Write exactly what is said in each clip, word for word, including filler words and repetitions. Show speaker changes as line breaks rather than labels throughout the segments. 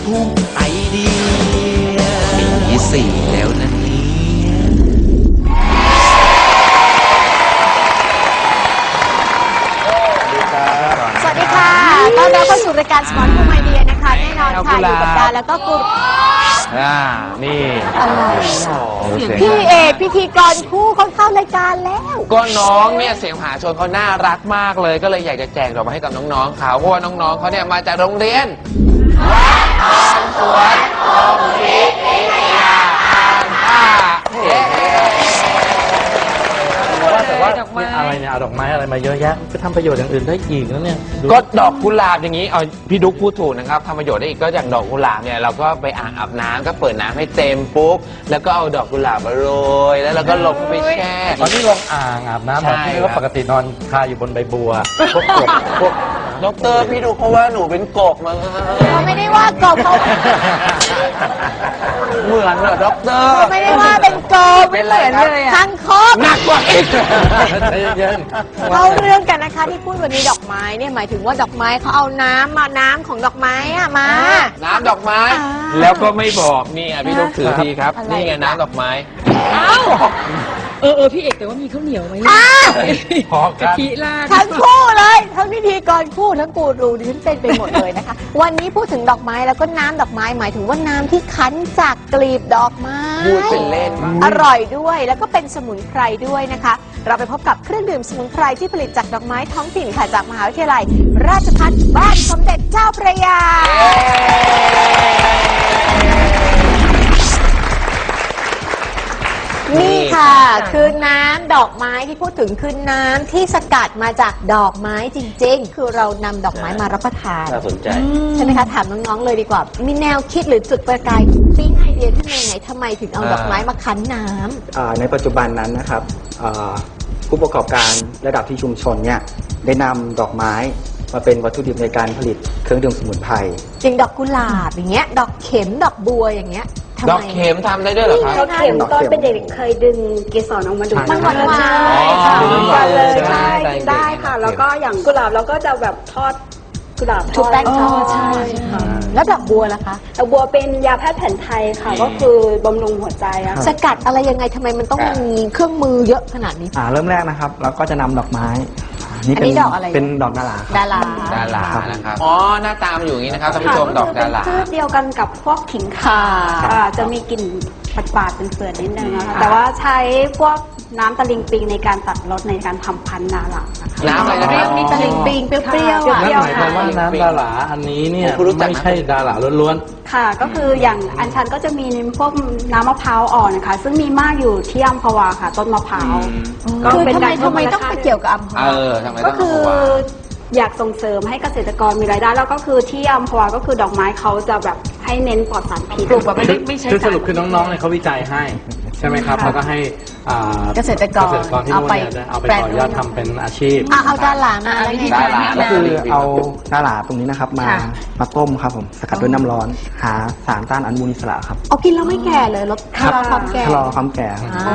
พุ่งไอเดียปีสี่แล้วนะเนี่ย
สวัสดีค่ะต้อนรับเข้าสู่รายการสมอลภูมิไอเดียนะคะแน่นอนค่ะอยู่กับดาแล้วก็กุล
อ่านี่
อะไรพี่เอกพิธีกรคู่เขาเข้ารายการแล้ว
ก็น้องเนี่ยเสียงมหาชนเขาน่ารักมากเลยก็เลยอยากจะแจกดอกไม้ให้กับน้องๆเขาเพราะว่าน้องๆเขาเนี่ยมาจากโรงเรียนสวนตรงวิทยาการท่า
แต่ว่าอะไรเนี่ยเอาดอกไม้อะไรมาเยอะแยะก็ทำประโยชน์อย่างอื่นได้อีกแล้วเนี่ย
ก็ดอกกุหลาบอย่างนี้เอาพี่ดุ๊กพูดถูกนะครับทำประโยชน์ได้อีกก็อย่างดอกกุหลาบเนี่ยเราก็ไปอ่างอาบน้ำก็เปิดน้ำให้เต็มปุ๊บแล้วก็เอาดอกกุหลาบมาโรยแล้วเราก็ลงไปแช่
ตอนนี้ลงอ่างอาบน้ำแบบที่ว่าปกตินอนคาอยู่บนใบบัวพวกกบพวก
ดอกเตอร์พี่ดุ๊กเขาว่าหนูเป็นกบมา
เขาไม่ได้ว่ากบเขา
เหมือนเหรอด็อกเตอร์
ไม่ได้ว่าเป็นกบ
เป็นอะไรเลย
คังคก
หนักกว่าอีก
เข้าเรื่องกันนะคะที่พูดวันนี้ดอกไม้เนี่ยหมายถึงว่าดอกไม้เขาเอาน้ำมาน้ำของดอกไม้อะมา
น้ำดอกไม้แล้วก็ไม่บอกนี่อ่ะพี่ลูกถือทีครับนี่ไงน้ำดอกไม้
เอ้าเออเออพี่เอกแต่ว่ามีข้าวเหนียวไหม
พอก
ะทิราด
ทั้งคู่เลยทั้งพิธีกรคู่ทั้งกูรูดิฉันเป็นไปหมดเลยนะคะวันนี้พูดถึงดอกไม้แล้วก็น้ำดอกไม้หมายถึงว่าน้ำที่คั้นจากกลีบดอกไม้
พูดเป็นเล่น
อร่อยด้วยแล้วก็เป็นสมุนไพรด้วยนะคะเราไปพบกับเครื่องดื่มสมุนไพรที่ผลิตจากดอกไม้ท้องถิ่นค่ะจากมหาวิทยาลัยราชภัฏบ้านสมเด็จเจ้าพระยานี่ค่ะคือน้ำดอกไม้ที่พูดถึงคือน้ำที่สกัดมาจากดอกไม้จริงๆคือเรานำดอกไม้มารับประทาน
น่าสนใจ
ใช่ไหมคะถามน้องๆเลยดีกว่ามีแนวคิดหรือจุดประกายปิ๊งไอเดียขึ้นมาไงทำไมถึงเอาดอกไม้มาคั้นน้
ำในปัจจุบันนั้นนะครับผู้ประกอบการระดับที่ชุมชนเนี่ยได้นำดอกไม้มาเป็นวัตถุดิบในการผลิตเครื่องดื่มสมุนไพร
จริงดอกกุหลาบอย่างเงี้ยดอกเข็มดอกบัวอย่างเงี้ย
ดอกเข็มทำได้ด้วยเหรอครับ
ดอกเข็มตอนเป็นเด็กเคยดึงเกสรออกมาดู
มันหวาน
ใช่ค่ะมันเลยใช่ได้ค่ะแล้วก็อย่างกุหลาบเราก็จะแบบทอดกุหลาบ
ทอดแป้งทอดใช่ค่ะแล้วดอกบัวล่ะคะ
ดอกบัวเป็นยาแพทย์แผนไทยค่ะก็คือบำรุงหัวใจอะ
สกัดอะไรยังไงทำไมมันต้องมีเครื่องมือเยอะขนาดนี้
อ่าเริ่มแรกนะครับเราก็จะนำดอกไม้
นี่เป็นดอกอะไร
เป็นดอกดารา
ดารา
ดารานะครับอ๋อหน้าตามอยู่อย่างนี้นะครับท่านผู้ชมดอกดารา
ชื่อเดียวกันกับพวกขิงข่าจะมีกลิ่นปาดๆเป็นเฟื่อนนิดนึงนะคะแต่ว่าใช้พวกน้ำตะลิงปิงในการตัดรสในการทำพันธุ์ดารา
น้ำอะไรนะ
นี่ตะลิงปิงเปรี้ยวๆ
นั่นหมายความว่าน้ำดาราอันนี้เนี่ยไม่ใช่ดาราล้วน
ๆค่ะก็คืออย่างอัญชันก็จะมีพวกน้ำมะพร้าวอ่อนนะคะซึ่งมีมากอยู่ที่อัมพวาค่ะต้นมะพร้าว
ก็เป็นการทำไมต้องไปเกี่ยวกับอัมพวา
ก็คืออยากส่งเสริมให้เกษตรกรมีรายได้แล้วก็คือที่อัมพวาก็คือดอกไม้เขาจะแบบให้เน้นปลอดสารพิษ
ปลูกแบบไม่ไม่ใช่คือสรุปคือน้องๆเนี่ยเขาวิจัยให้ใช่ไหมครับแล้วก็ให้
เกษตรกร
ที่นู่นเนี่ยเอาไปต่อยอดทำเป็นอาชีพ
เอาดารามาอะไร
ดารา
ก็คือเอาดาราตรงนี้นะครับมามาต้มครับผมสกัดด้วยน้ำร้อนหาสารต้านอนุมูลอิสระครับ
เอากินแล้วไม่แก่เลยลดชะลอความแก่
ชะลอความแก่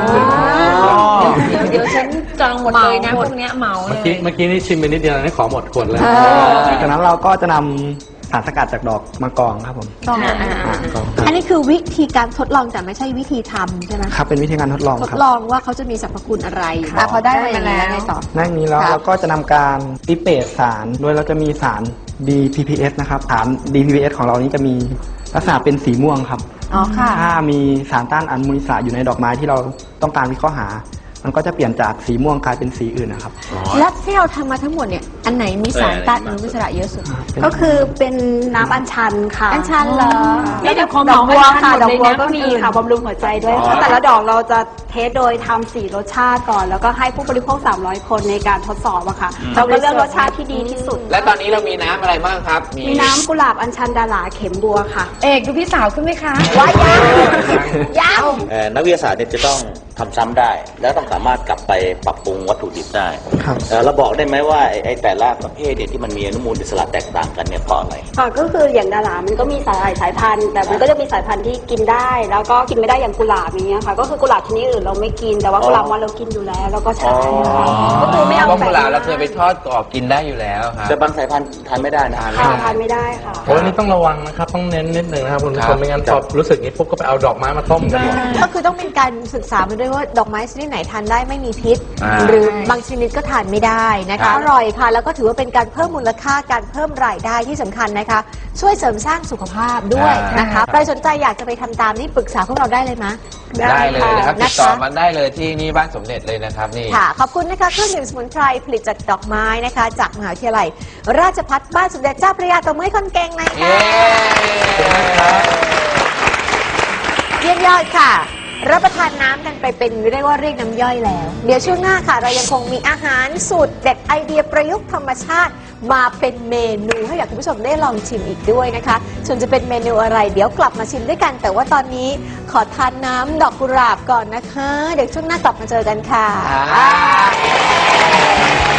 เดี๋ยวฉันจองหมดเลยนะพวกเนี้ยเหมาเลย
เมื่อกี้เมื่อกี้นี่ชิมไปนิดเดียวนี่ขอหมดขวดเลย
จากนั้นเราก็จะนำสารสกัดจากดอกมะกองครับผม
อันนี้คือวิธีการทดลองแต่ไม่ใช่วิธีทำใช่ไหม
ครับเป็นวิธีการทดลอง
ทดลองว่าเขาจะมีสรรพคุณอะไรพอได้มาแล้วไงต่อ
นั่นนี้แล้วเราก็จะนำการติเปตสารโดยเราจะมีสาร ดี พี พี เอส นะครับสาร ดี พี พี เอส ของเรานี้จะมีลักษณะเป็นสีม่วงครับ
อ๋อค่ะ
ถ้ามีสารต้านอนุมูลอิสระอยู่ในดอกไม้ที่เราต้องการวิเคราะห์หามันก็จะเปลี่ยนจากสีม่วงกลายเป็นสีอื่นนะครับ
แล้วที่เราทำมาทั้งหมดเนี่ยอันไหนมีสารต้านอนุมูลอิสระเยอะสุด
ก็คือเป็นน้ำอัญชันค่ะ
อัญชันเหรอ
นี่ดอกบัวค่ะดอกบัวก็มีค่ะบำรุงหัวใจด้วยค่ะแต่ละดอกเราจะเทสโดยทำสี่รสชาติก่อนแล้วก็ให้ผู้บริโภคสามร้อยคนในการทดสอบอะค่ะเราก็เลือกรสชาติที่ดีที่สุด
และตอนนี้เรามีน้ำอะไรบ้างครับ
มีน้ำกุหลาบอัญชันดาราเข็มบัวค่ะ
เอกดูพี่สาวขึ้นไหมคะ
ว้ายยังยัง
นักวิทยาศาสตร์เนี่ยจะต้องทำซ้ำได้ แล้วต้องสามารถกลับไปปรับปรุงวัตถุดิบได้
ครับ
เอ่อเราบอกได้ไหมว่าไอ้ไอ้แต่ละประเภทเนี่ยที่มันมีอนุมูลอิสระแตกต่างกันเนี่ยเพราะอะไร
ค่ะก็คืออย่างดารามันก็มีสายสายพันธุ์ แต่มันก็จะมีสายพันธุ์ที่กินได้ แล้วก็กินไม่ได้อย่างกุหลาบอย่างเงี้ยค่ะ ก็คือกุหลาบชนิดอื่นเราไม่กิน แต่ว่ากุหลาบมอนเรากินอยู่แล้วแล้วก็ใช้ค่ะก็คือไม่เอา
เพราะ
แต่
กุหลาบเราเคยไปทอดกรอบกินได้อยู่แล้วครับ
แต่บางสายพันธุ์ทานไม่ได้นะ
ค่ะทานไม่ได้ค่ะ
โอ้ยนี่ต้องระวังนะครับ ต้องเน้นนิดนึงนะครับคุณผู้
ค
ช
รับ
มไม่งั้นพอรู้สึกนี้ปุ๊บก็ไปเอาดอกไม้มาต้มกันหมด
ก็คือต้องเป็นการศึกษามาด้วยว่าดอกไม้ชนิดไหนทานได้ไม่มีพิษ
อ่า
หรือบางชนิดก็ทานไม่ได้นะ
ครั
คะ
บ
อร่อยค่ะ แล้วก็ถือว่าเป็นการเพิ่มมูลค่าการเพิ่มรายได้ที่สำคัญนะคะ ช่วยเสริมสร้างสุขภาพด้วยนะคะใครสนใจอยากจะไปทำตามนี่ปรึกษาพวกเราได้เลยมะ
ได้เลยนะครับ
ได้
ติด
ค่ะ
ต่อมาได้เลยที่นี่บ้านสมเด็จเลยนะครับนี่
ค่ะ ขอบคุณนะคะเครื่องดื่มสมุนไพรผลิตจากดอกไม้นะคะ จากมหาวิทยาลัย ราชภัฏบ้านสมเด็จเจ้าพระยาตบมือให้คนเก่งหน่อย
เย้
ค่ะเยี่ยมยอดค่ะ รับประทานน้ำกันไปเป็นเรียกว่าเรียกน้ำย่อยแล้ว เดี๋ยวช่วงหน้าค่ะ เรายังคงมีอาหารสูตรเด็ดไอเดียประยุกต์ธรรมชาติ มาเป็นเมนูให้กับคุณผู้ชมได้ลองชิมอีกด้วยนะคะส่วนจะเป็นเมนูอะไร เดี๋ยวกลับมาชิมด้วยกัน แต่ว่าตอนนี้ขอทานน้ำดอกกุหลาบก่อนนะคะ เดี๋ยวช่วงหน้ากลับมาเจอกันค่ะ
อ่า